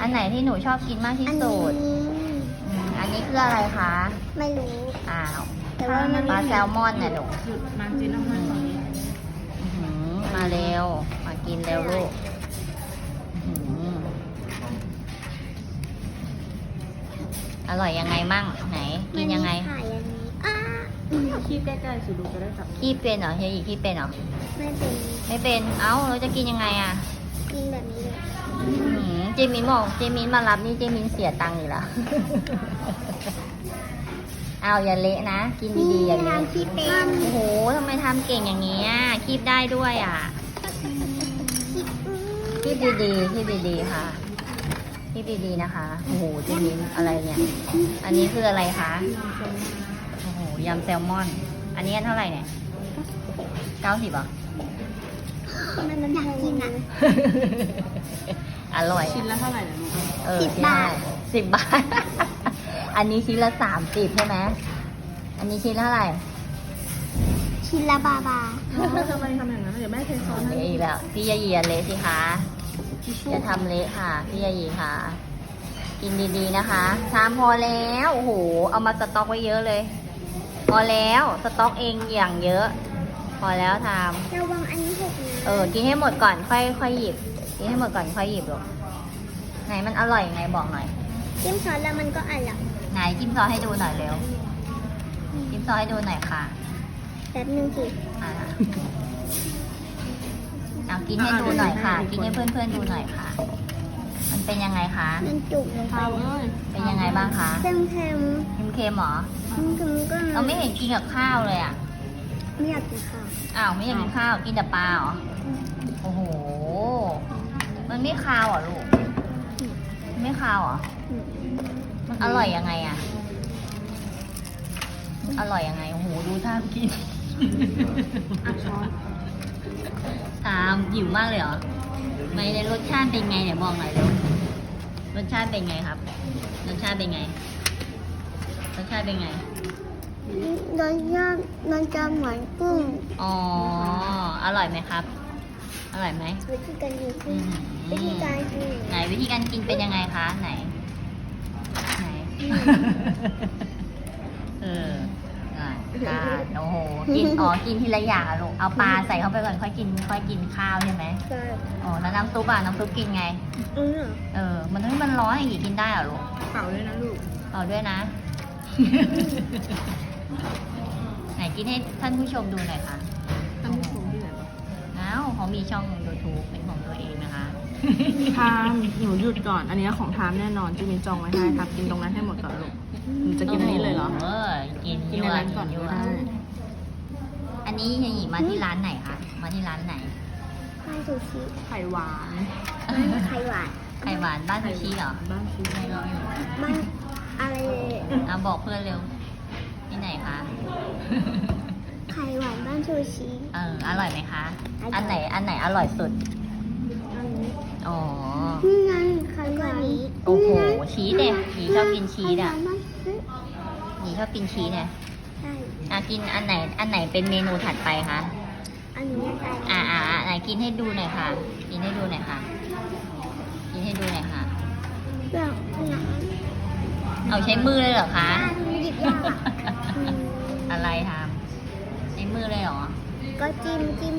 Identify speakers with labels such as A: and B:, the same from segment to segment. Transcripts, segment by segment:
A: อันไหนที่หนูชอบกินมากที่สุดอันนี้คืออะไรคะ
B: ไม่รู้
A: อ้าว
B: แต่ว่ามัน
A: ปลาแซลมอนเนี่ยลูก
C: หยุดนานจีนน้ำมันตอนนี้
A: มาเร็ว มากินเร็วลูกอื้อหืออร่อยยังไงมั่งไหน กินยังไง
B: มันมีขายอย่างนี้อ้า
C: คีบใกล้ๆสิลูกจะได้จับ
A: ขี้เป็นเหรอเฮียอีขี้เป็นเหรอ
B: ไม่เป็น
A: ไม่เป็น เอ้าเราจะกินยังไงอ่ะ
B: กินแบบนี้เลย
A: เจมินบอกเจมินมารับนี่เจมินเสียตังค์อีกแล้ว เอาอย่าเละนะ กินดีๆอย่าเละ
B: ทำที่เป็น
A: โอ้โหทำไมทำเก่งอย่างนี้อ่ะคีบได้ด้วยอ่ะ คีบดีๆคีบดีๆค่ะคีบดีๆนะคะ โอ้โหเจมินอะไรเนี่ย อันนี้คืออะไรคะ โอ้โหยำแซลมอน อันนี้อันเท่าไหร่เนี่ย90เหรอ
B: มันอยากกินอ่ะ
A: อร่อย
C: ชิ้นละเท่าไหร่นะลูก
B: 10 บาท
A: 10 บาท อันนี้ชิ้นละ30ใช่ไหม อันนี้ชิ้นละเท่าไหร่
B: ชิ้นละบาบา
C: ทำไมทำอย่างนั้นเดี๋ยวแม่เทซอสให้
A: เละอีกแล้ว พี่ยายีอย่าเละสิคะอย่าทำเละค่ะ พี่ยายีค่ะ กินดีๆนะคะชามพอแล้ว โอ้โห เอามาสต็อกไว้เยอะเลย พอแล้ว สต็อกเองอย่างเยอะ พอแล้วทำ
B: ระวังอันนี้หกนะ
A: กินให้หมดก่อนค่อยหยิบ กินให้หมดก่อนค่อยหยิบลูกไหนมันอร่อยยังไงบอกหน่อย
B: จิ้มซอสแล้วมันก็อร่อย
A: ไหนจิ้มซอสให้ดูหน่อยเร็ว จิ้มซอสให้ดูหน่อยค่ะ
B: แป๊บนึงสิ
A: อ่ะเอากินให้ดูหน่อยค่ะ กินให้เพื่อนๆดูหน่อยค่ะ มันเป็นยังไงคะ
B: มันจุกลงไป
C: ข้าวเอ้ย
A: เป็นยังไงบ้างคะ
B: เค็ม
A: เค็มๆเหรอ
B: ๆก็
A: เราไม่เห็นกินกับข้าวเลยอ่ะ
B: ไม่อยากกินข้าว
A: อ้าวไม่อยากกินข้าว กินแต่ปลาเหรอ โอ้โห มันไม่คาวเหรอลูกมันไม่คาวเหรอ มันอร่อยยังไงอ่ะมันอร่อยยังไง โอ้โห ดูท่ากิน
C: อ่ะช้อน
A: ตามหิวมากเลยเหรอ ไม่ได้รสชาติเป็นไงเนี่ยบอกหน่อยเร็ว รสชาติเป็นไงครับ รสชาติเป็นไง รสชาติเป็นไง
B: รสชาติมันจะเหมือนกุ้ง
A: อ๋อ อร่อยไหมครับ อร่อยไหม
B: วิธีการกิน
A: อืม
B: วิธีการกิน
A: ไหนวิธีการกินเป็นยังไงคะ ไหน ไหน เอออ่ะโอ้โห กิน กินทีละอย่างอะลูก เอาปลาใส่เข้าไปก่อนค่อยกินข้าวใช่ไหม
B: ใช่
A: อ๋อ แล้วน้ำซุปน้ำซุปกินไง มันร้อนอย่างงี้กินได้เหรอลูก
C: เป่าด้วยนะลูก
A: เอาด้วยนะ ไหนกินให้ท่านผู้ชมดูหน่อยค่ะ
C: ท่านผู้ชมที่ไหนบ้าง
A: อ้าวเขามีช่อง YouTube เป็นของตัวเองนะคะ
C: ทามหนูหยุดก่อน อันนี้ของทามแน่นอนจีมินจองไว้ให้ครับกินตรงนั้นให้หมดก่อนลูกหนูจะกินอันนี้เลยเหรอ
A: กิน
C: กินในร้านก่อน
A: ยั่
C: ก็
A: ว
C: ได้
A: อันนี้เฮียหญิงมาที่ร้านไหนคะ มาที่ร้านไหน
B: บ้านซูชิ
C: ไข่หวาน
B: บ้านไข่หวาน
A: ไข่หวานบ้านซูชิเหรอ
C: บ้านชิไม่ร้อย
B: บ้านอะไร
A: เอาบอกเพื่อนเร็ว ที่ไหนคะ
B: ไข่หวานบ้านซูชิ
A: อร่อยไหมคะ
B: อร่อย
A: อันไหนอร่อยสุด
B: อันนี้
A: อ๋อ
B: นี่ไงไข่หวาน
A: โอ้โห ชีสเนี่ยหญิงชอบกินชีสอ่ะ
B: ไข่หวานบ้านซูชิ
A: หญิงชอบกินชีสเนี่ย
B: ใช่
A: กินอันไหนเป็นเมนูถัดไปคะ
B: อันนี้อะไร
A: ไหนกินให้ดูหน่อยค่ะ กินให้ดูหน่อยค่ะ กินให้ดูหน่อยค่ะ
B: เรื่องหนัง
A: เอาใช้มือเลยเหรอคะ
B: หยิบยากอ่ะอืม
A: อะไรทำใช้มือเลยเหรอ
B: ก็จิ้ม
A: จิ้ม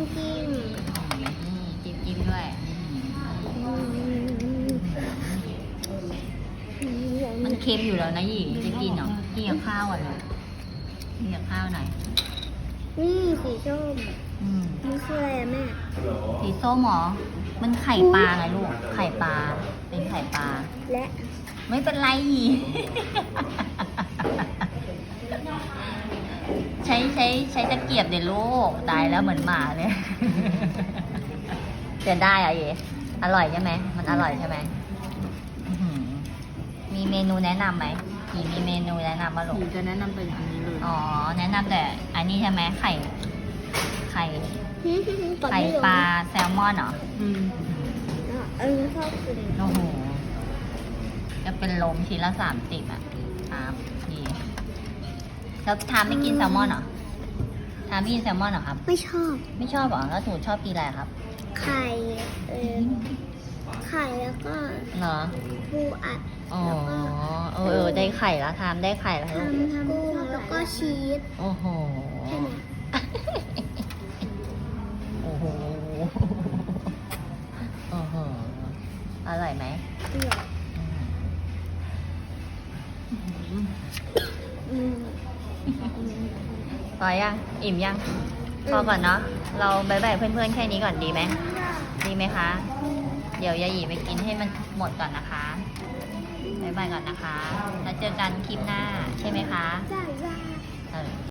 A: ด้วย มันเค็มอยู่แล้วนะหญิงจะกินเหรอกินกับข้าวอ่ะเลยกินกับข้าวหน่อย
B: นี่สีส้ม
A: อืม
B: นี่คืออะไรอะแม่
A: สีส้มเหรอ มันไข่ปลาไงลูก ไข่ปลา เป็นไข่ปลา
B: และ
A: ไม่เป็นไรหญิง ใช้ตะเกียบเดี๋ยวลูก ตายแล้วเหมือนหมาเลย จะได้อะเยอร่อยใช่ไหม มันอร่อยใช่ไหมอื้อหือมีเมนูแนะนำไหมหญิงมีเมนูแนะนำมาลู
C: หนู
A: ก
C: จะแนะนำแต่อย่างนี้เลย
A: อ๋อ แนะนำแต่อันนี้ใช่ไหมไข่ ไข่
B: ก่อน
A: ไข่
B: ที่
A: ปลาแซลมอนเหรอ
C: อืม
B: อันนี้ชอบกิน
A: โอ้โห จะเป็นลมชิ้นละ30อ่ะครับดีแล้วทามไม่กินแซลมอนเหรอทามไม่กินแซลมอนเหรอครับ
B: ไม่ชอบ
A: ไม่ชอบเหรอ แล้วหนูชอบกินอะไรครับ
B: ไข่ไข่แล้วก็
A: เหรอ
B: ปูอัด
A: อ๋อได้ไข่แล้วทำได้ไข่แล้วลูก
B: ทำกุ้งแล้วก็ชีส
A: โอ้โห
B: แค่นี้
A: โอ้โห โอ้โห อร่อยไหม
B: เปรี้ยวอืม
A: พอยัง อิ่มยัง พอก่อนเนาะ เราบายบายเพื่อนๆแค่นี้ก่อนดีไหม ดีไหมคะ เดี๋ยวยาหยีไปกินให้มันหมดก่อนนะคะบายบายก่อนนะคะ แล้วเจอกันคลิปหน้าใช่ไหมคะ
B: จ้า
A: เออ